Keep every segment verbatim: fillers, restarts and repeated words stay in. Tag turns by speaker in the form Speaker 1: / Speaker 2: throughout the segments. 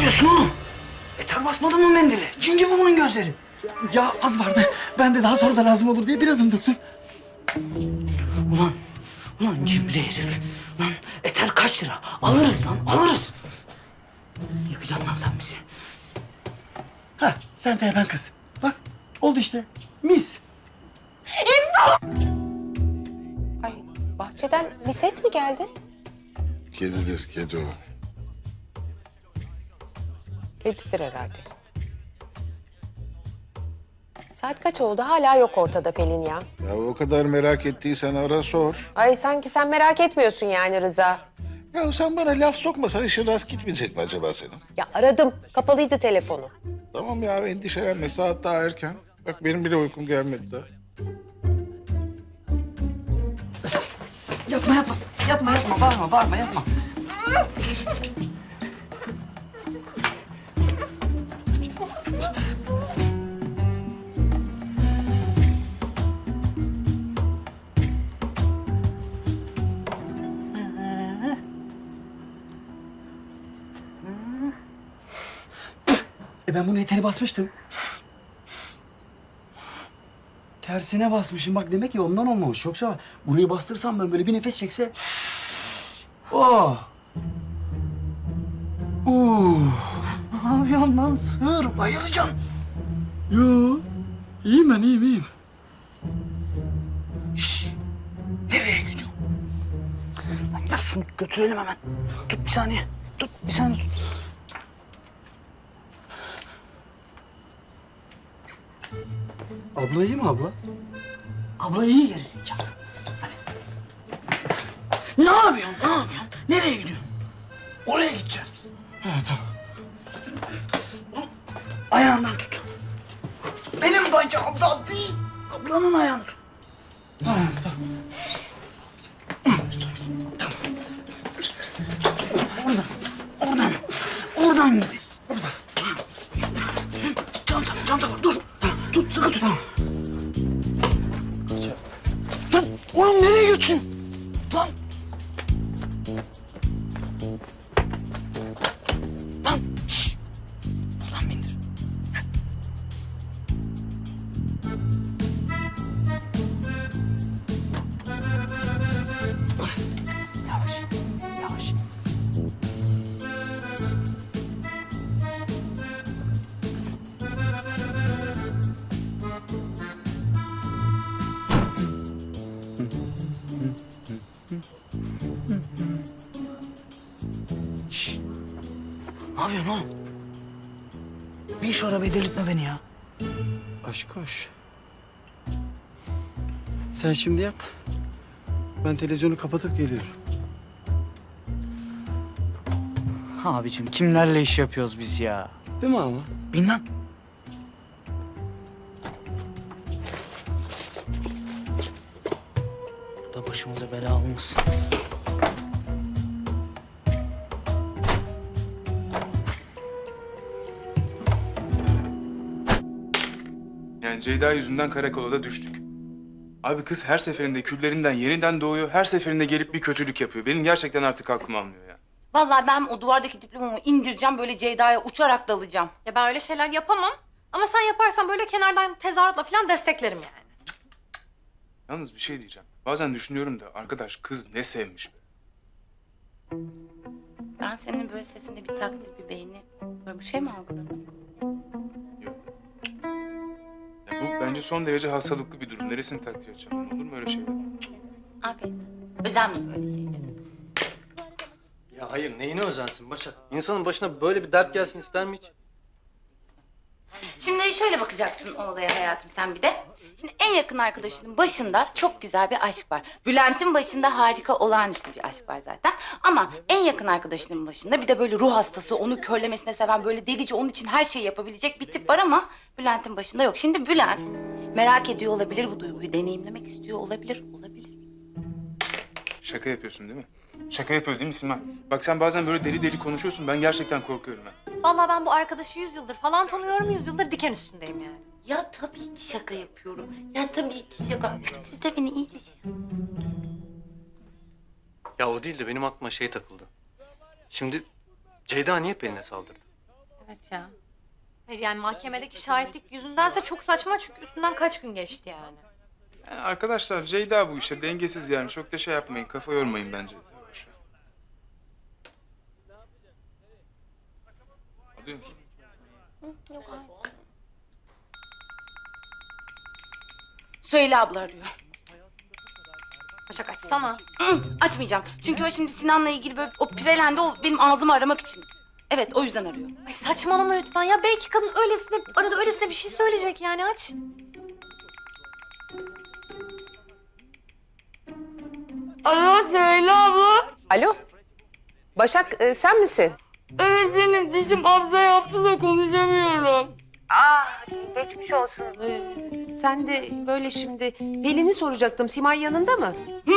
Speaker 1: yapıyorsun oğlum? Eter basmadın mı mendili? Cin gibi bunun gözleri.
Speaker 2: Ya az vardı. Ben de daha sonra da lazım olur diye birazını döktüm.
Speaker 1: Ulan, ulan cimri herif. Lan eter kaç lira? Alırız lan, alırız. Yakacaksın lan sen bizi.
Speaker 2: Ha, sen de hemen kız. Bak, oldu işte. Mis.
Speaker 3: Ay, bahçeden bir ses mi geldi?
Speaker 4: Kedidir, kedi o.
Speaker 3: Kedidir herhalde. Saat kaç oldu? Hala yok ortada Pelin ya.
Speaker 4: Ya o kadar merak ettiysen ara sor.
Speaker 3: Ay sanki sen merak etmiyorsun yani Rıza.
Speaker 4: Ya sen bana laf sokmasan işin rast gitmeyecek mi acaba senin?
Speaker 3: Ya aradım. Kapalıydı telefonu.
Speaker 4: Tamam ya endişelenme saat daha erken. Bak benim bile uykum gelmedi daha.
Speaker 1: Yapma, yapma. Yapma, yapma. Bağırma, bağırma, yapma.
Speaker 2: E ben bunu eteri basmıştım. Tersine basmışım. Bak demek ki ondan olmamış. Yoksa burayı bastırsam ben böyle bir nefes çekse... Oh! Uh!
Speaker 1: Ne yapıyorsun lan sığır? Bayılacaksın.
Speaker 2: Yo, iyiyim ben, iyiyim, iyiyim.
Speaker 1: Nereye gidiyorsun? Lan gel şunu götürelim hemen. Tut bir saniye. Tut bir saniye tut.
Speaker 2: Abla iyi mi abla?
Speaker 1: Abla iyi gerizekalı. Hadi. Ne yapıyorsun? Ne yapıyorsun? Nereye gidiyorsun? Oraya gideceğiz biz.
Speaker 2: Ha, tamam.
Speaker 1: Ayağından tut. Benim bacağımdan değil. Ablanın ayağını tut.
Speaker 2: Ha, tamam.
Speaker 1: Oradan. Oradan. Oradan gideriz. Oradan. Çanta, çanta var. Dur. Tut, sıkı tut. Tamam. Lan oğlum nereye götürüyorsun? Lan. Lan. Şşş. Buradan bindir. Yavaş. Yavaş. Şşş. Ne yapıyorsun oğlum? Bin şu arabaya delirtme beni ya.
Speaker 2: Aşk hoş. Sen şimdi yat. Ben televizyonu kapatıp geliyorum.
Speaker 5: Abicim kimlerle iş yapıyoruz biz ya?
Speaker 2: Değil mi ama?
Speaker 1: Bin lan.
Speaker 5: Bu da başımıza bela olmasın.
Speaker 6: Yani Ceyda yüzünden karakola da düştük. Abi kız her seferinde küllerinden yeniden doğuyor. Her seferinde gelip bir kötülük yapıyor. Benim gerçekten artık aklım almıyor ya.
Speaker 7: Vallahi ben o duvardaki diplomamı indireceğim, böyle Ceyda'ya uçarak dalacağım.
Speaker 8: Ya ben öyle şeyler yapamam. Ama sen yaparsan böyle kenardan tezahüratla falan desteklerim yani.
Speaker 6: Yalnız bir şey diyeceğim. Bazen düşünüyorum da arkadaş kız ne sevmiş be.
Speaker 7: Ben senin böyle sesinde bir takdir, bir beğeni, böyle bir şey mi algıladım?
Speaker 6: Yok. Ya bu bence son derece hastalıklı bir durum. Neresini takdir edeceğim? Olur mu öyle şey?
Speaker 7: Afiyet. Özenme böyle şeylere.
Speaker 9: Ya hayır, neyine özensin Başak? İnsanın başına böyle bir dert gelsin ister mi hiç?
Speaker 7: Şimdi şöyle bakacaksın o olaya hayatım sen bir de. Şimdi en yakın arkadaşının başında çok güzel bir aşk var. Bülent'in başında harika, olağanüstü bir aşk var zaten. Ama en yakın arkadaşının başında bir de böyle ruh hastası, onu körlemesine seven, böyle delici, onun için her şeyi yapabilecek bir tip var ama Bülent'in başında yok. Şimdi Bülent merak ediyor olabilir bu duyguyu, deneyimlemek istiyor olabilir, olabilir.
Speaker 6: Şaka yapıyorsun değil mi? Şaka yapıyor değil mi Simay? Bak sen bazen böyle deli deli konuşuyorsun. Ben gerçekten korkuyorum ha.
Speaker 8: Vallahi ben bu arkadaşı yüz yıldır falan tanıyorum. Yüz yıldır diken üstündeyim yani.
Speaker 7: Ya tabii ki şaka yapıyorum. Ya tabii ki şaka. Siz de beni iyice şey yapın.
Speaker 9: Ya o değil de benim aklıma şey takıldı. Şimdi Ceyda niye Pelin'e saldırdı?
Speaker 8: Evet ya. Hayır yani mahkemedeki şahitlik yüzündense çok saçma çünkü üstünden kaç gün geçti yani.
Speaker 6: Yani arkadaşlar Ceyda bu işte dengesiz yani. Çok da şey yapmayın. Kafa yormayın bence. Boş ver. Alıyor musun?
Speaker 7: Yok abi. Söyle abla arıyor.
Speaker 8: Başak açsana.
Speaker 7: Hı, açmayacağım. Çünkü o şimdi Sinan'la ilgili böyle o pirelendi, o benim ağzımı aramak için. Evet, o yüzden arıyor.
Speaker 8: Ay saçmalama lütfen ya. Belki kadın öylesine arada öylesine bir şey söyleyecek yani aç.
Speaker 7: Alo Leyla abla.
Speaker 3: Alo. Başak e, sen misin?
Speaker 7: Evet benim dişim abla yaptı da konuşamıyorum.
Speaker 3: Geçmiş olsun. Ee, sen de böyle şimdi Pelin'i soracaktım. Simay yanında mı?
Speaker 7: Ne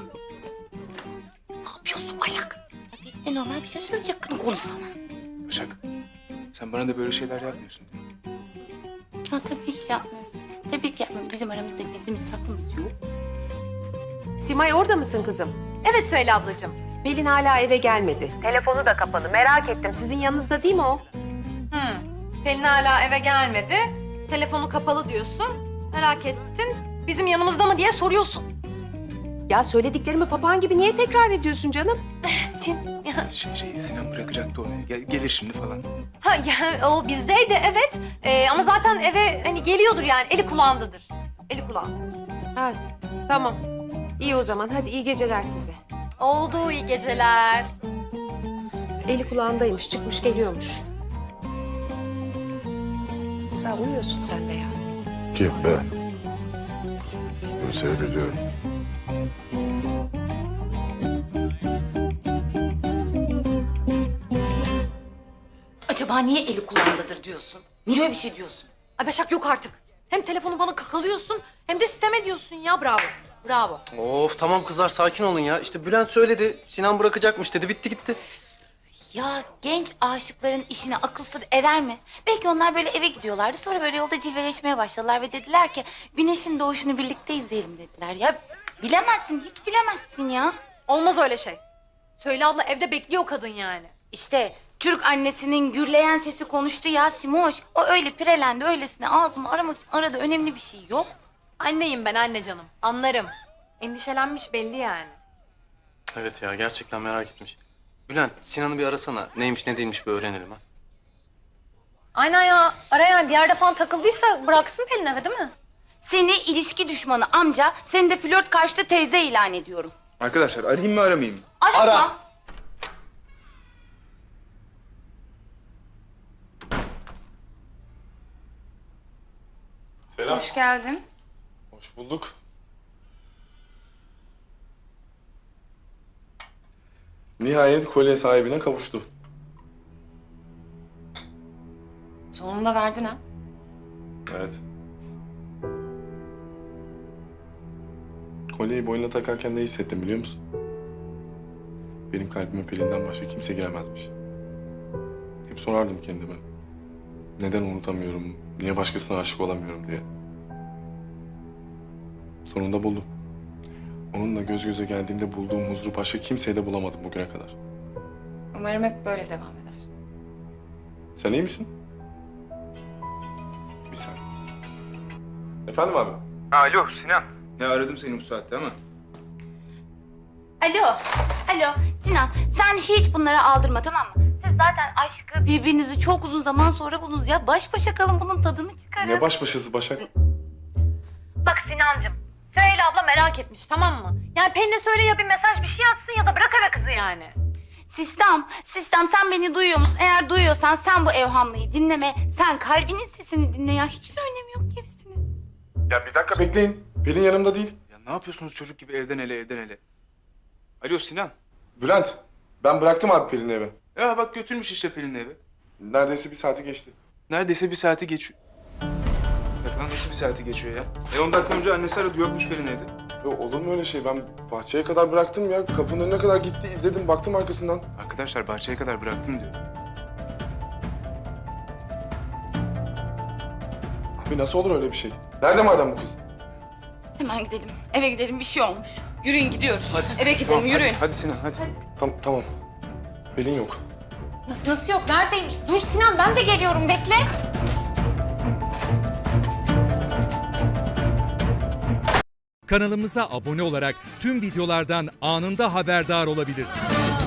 Speaker 7: yapıyorsun Başak? E normal bir şey söyleyecek kadın, konuşsana.
Speaker 6: Başak. Sen bana da böyle şeyler yapmıyorsun.
Speaker 7: Ha tabii ki yapmıyorum. Tabii ki yapmıyorum. Bizim aramızda gizlimiz saklımız yok.
Speaker 3: Simay orada mısın kızım?
Speaker 8: Evet Söyle ablacığım.
Speaker 3: Pelin hala eve gelmedi. Telefonu da kapalı. Merak ettim. Sizin yanınızda değil mi o?
Speaker 8: Hı. Pelin hala eve gelmedi. Telefonu kapalı diyorsun. Merak ettin. Bizim yanımızda mı diye soruyorsun.
Speaker 3: Ya söylediklerimi papağan gibi niye tekrar ediyorsun canım?
Speaker 6: Şey, şey Sinan bırakacaktı onu. Gel, gelir şimdi falan.
Speaker 8: Ha ya o bizdeydi evet. Ee, ama zaten eve hani geliyordur yani. Eli kulağındadır. Eli kulağında.
Speaker 3: Ha, tamam. İyi o zaman. Hadi iyi geceler size.
Speaker 8: Oldu iyi geceler.
Speaker 3: Eli kulağındaymış. Çıkmış geliyormuş. Sen uyuyorsun sen de ya.
Speaker 4: Kim ben? Bunu seyrediyorum.
Speaker 7: Acaba niye eli kulağındadır diyorsun? Niye öyle bir şey diyorsun?
Speaker 8: Ay Başak yok artık. Hem telefonu bana kakalıyorsun hem de sistem ediyorsun ya. Bravo. Bravo.
Speaker 9: Of tamam kızlar sakin olun ya. İşte Bülent söyledi. Sinan bırakacakmış dedi. Bitti gitti.
Speaker 7: Ya genç aşıkların işine akıl sır erer mi? Belki onlar böyle eve gidiyorlardı. Sonra böyle yolda cilveleşmeye başladılar ve dediler ki güneşin doğuşunu birlikte izleyelim dediler. Ya bilemezsin, hiç bilemezsin ya.
Speaker 8: Olmaz öyle şey. Söyle abla evde bekliyor kadın yani.
Speaker 7: İşte Türk annesinin gürleyen sesi konuştu ya Simoş. O öyle pirelendi, öylesine ağzımı aramak için aradı. Önemli bir şey yok.
Speaker 8: Anneyim ben anne canım. Anlarım. Endişelenmiş belli yani.
Speaker 9: Evet ya gerçekten merak etmiş. Bülent Sinan'ı bir arasana. Neymiş ne değilmiş bir öğrenelim ha.
Speaker 8: Aynen ya. Ara yani bir yerde falan takıldıysa bıraksın Pelin eve değil mi?
Speaker 7: Seni ilişki düşmanı amca, seni de flört karşıtı teyze ilan ediyorum.
Speaker 6: Arkadaşlar arayayım mı aramayayım mı?
Speaker 7: Arama.
Speaker 4: Selam.
Speaker 7: Hoş geldin.
Speaker 4: Hoş bulduk. Nihayet kolye sahibine kavuştu.
Speaker 7: Sonunda verdin ha.
Speaker 4: Evet. Kolyeyi boynuna takarken ne hissettim biliyor musun? Benim kalbime Pelin'den başka kimse giremezmiş. Hep sorardım kendime. Neden unutamıyorum, niye başkasına aşık olamıyorum diye. Sonunda buldum. Onunla göz göze geldiğimde bulduğum huzuru başka kimseye de bulamadım bugüne kadar.
Speaker 7: Umarım hep böyle devam eder.
Speaker 4: Sen iyi misin? Bir saniye. Efendim abi?
Speaker 6: Alo Sinan. Ya aradım seni bu saatte ama.
Speaker 7: Alo, alo Sinan, sen hiç bunlara aldırma tamam mı? Siz zaten aşkı birbirinizi çok uzun zaman sonra buldunuz ya. Baş başa kalın, bunun tadını çıkarın.
Speaker 4: Ne baş başası Başak?
Speaker 8: Bak Sinancığım. Söyle abla merak etmiş tamam mı? Yani Pelin'e söyle ya bir mesaj bir şey atsın ya da bırak eve kızı yani.
Speaker 7: Sistem, sistem sen beni duyuyor musun? Eğer duyuyorsan sen bu evhamlıyı dinleme. Sen kalbinin sesini dinle ya. Hiçbir önemi yok gerisinin.
Speaker 4: Ya bir dakika bekleyin. Pelin yanımda değil.
Speaker 6: Ya ne yapıyorsunuz çocuk gibi evden ele evden ele? Alo Sinan.
Speaker 4: Bülent, ben bıraktım abi Pelin'i eve.
Speaker 6: Ya bak götürmüş işte Pelin'i eve.
Speaker 4: Neredeyse bir saati geçti.
Speaker 6: Neredeyse bir saati geçiyor. Ya lan nasıl bir saati geçiyor ya? E on dakika önce annesi aradı yokmuş Pelin evde.
Speaker 4: Ya olur mu öyle şey? Ben bahçeye kadar bıraktım ya. Kapının önüne kadar gitti, izledim, baktım arkasından.
Speaker 6: Arkadaşlar bahçeye kadar bıraktım diyor.
Speaker 4: Abi nasıl olur öyle bir şey? Nerede madem bu kız?
Speaker 7: Hemen gidelim. Eve gidelim, bir şey olmuş. Yürüyün gidiyoruz.
Speaker 6: Hadi.
Speaker 7: Eve gidelim,
Speaker 6: Tamam,
Speaker 7: yürüyün.
Speaker 6: Hadi, hadi Sinan hadi.
Speaker 4: Tamam, tamam. Pelin yok.
Speaker 8: Nasıl, nasıl yok? Neredeyim? Dur Sinan, ben de geliyorum. Bekle.
Speaker 10: Kanalımıza abone olarak tüm videolardan anında haberdar olabilirsiniz.